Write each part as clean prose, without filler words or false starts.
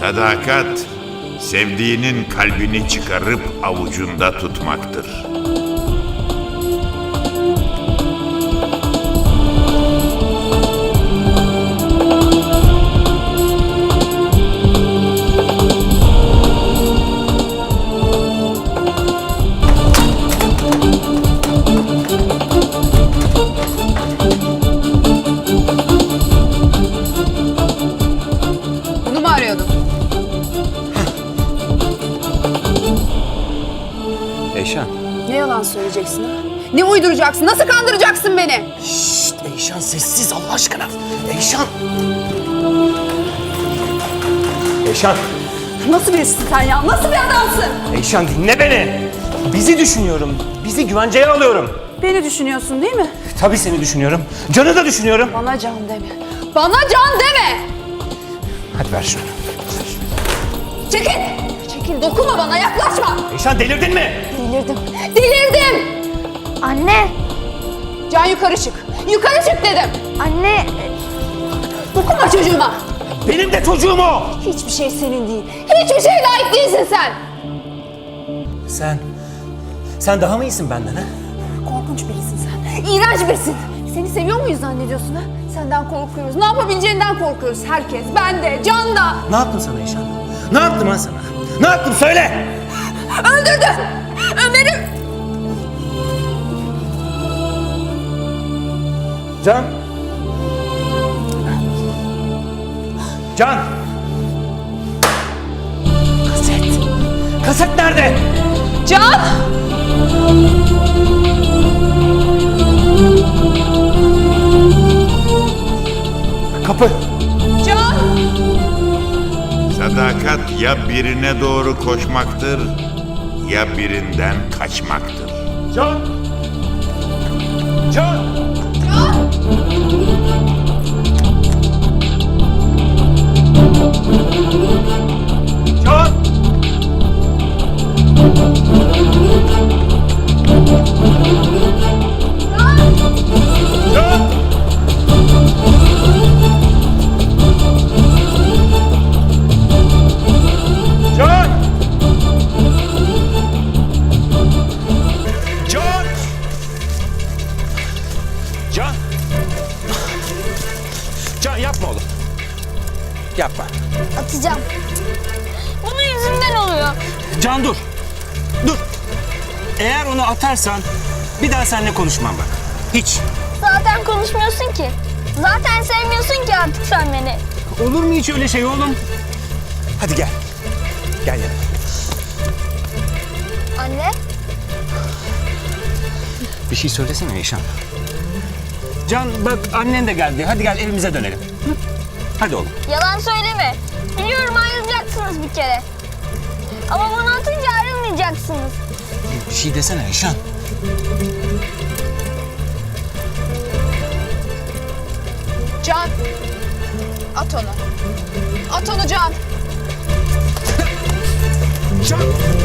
Sadakat, sevdiğinin kalbini çıkarıp avucunda tutmaktır. Bunu mu arıyordun? Eyşan. Ne yalan söyleyeceksin ha? Ne uyduracaksın? Nasıl kandıracaksın beni? Şşt Eyşan sessiz Allah aşkına. Eyşan. Eyşan. Nasıl birisin sen ya? Nasıl bir adamsın? Eyşan dinle beni. Bizi düşünüyorum. Bizi güvenceye alıyorum. Beni düşünüyorsun değil mi? Tabii seni düşünüyorum. Can'ı da düşünüyorum. Bana can deme. Bana can deme! Hadi ver şunu. Çekil! Çekil, dokunma bana, yaklaşma! Eyşan delirdin mi? Delirdim. Delirdim! Anne, Can yukarı çık. Yukarı çık dedim. anne, Dokunma çocuğuma. Benim de çocuğum o. Hiçbir şey senin değil. Hiçbir şeye layık değilsin sen. Sen daha mı iyisin benden ha? Korkunç birisin sen. İğrenç birisin. Seni seviyor muyuz zannediyorsun ha? Senden korkuyoruz. Ne yapabileceğinden korkuyoruz herkes. Ben de, Can da. Ne yaptım sana Eyşan? Ne yaptım ben sana? Ne yaptım söyle. Öldürdün. Ömer'i. Can. Can. Kaset. Kaset nerede? Can. Kapı. Can. Sadakat ya birine doğru koşmaktır ya birinden kaçmaktır. Can. Can. Can. Can. Can. Can. Can. Can yapma oğlum. Yapma. atacağım. Bunun yüzünden oluyor. Can dur. Dur. Eğer onu atarsan bir daha seninle konuşmam bak. Hiç. Zaten konuşmuyorsun ki. Zaten sevmiyorsun ki artık sen beni. Olur mu hiç öyle şey oğlum? Hadi gel. Gel yanıma. Anne, Bir şey söylesene Eyşan. Can bak annen de geldi. Hadi gel evimize dönelim. Hı? Hadi oğlum. yalan söyleme. Biliyorum ayrılacaksınız bir kere. Ama bana atınca ayrılmayacaksınız. Bir şey desene Eyşan. Can. At onu. At onu Can. Can.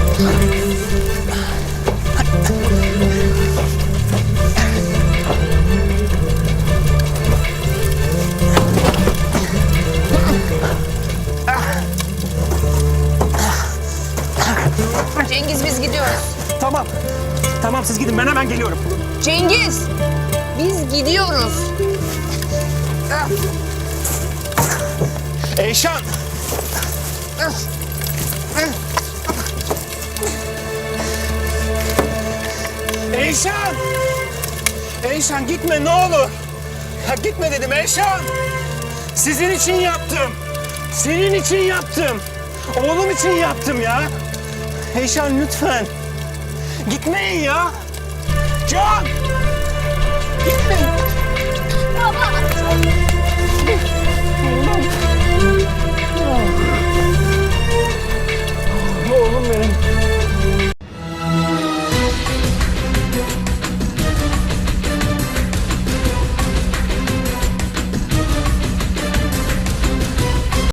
Cengiz biz gidiyoruz. Tamam. Tamam siz gidin ben hemen geliyorum. Cengiz. Biz gidiyoruz. Eyşan. Eyşan. Eyşan gitme ne olur. Ya gitme dedim Eyşan. Sizin için yaptım. Senin için yaptım. Oğlum için yaptım ya. Eyşan lütfen. Gitmeyin ya. Can. Gitmeyin. Baba.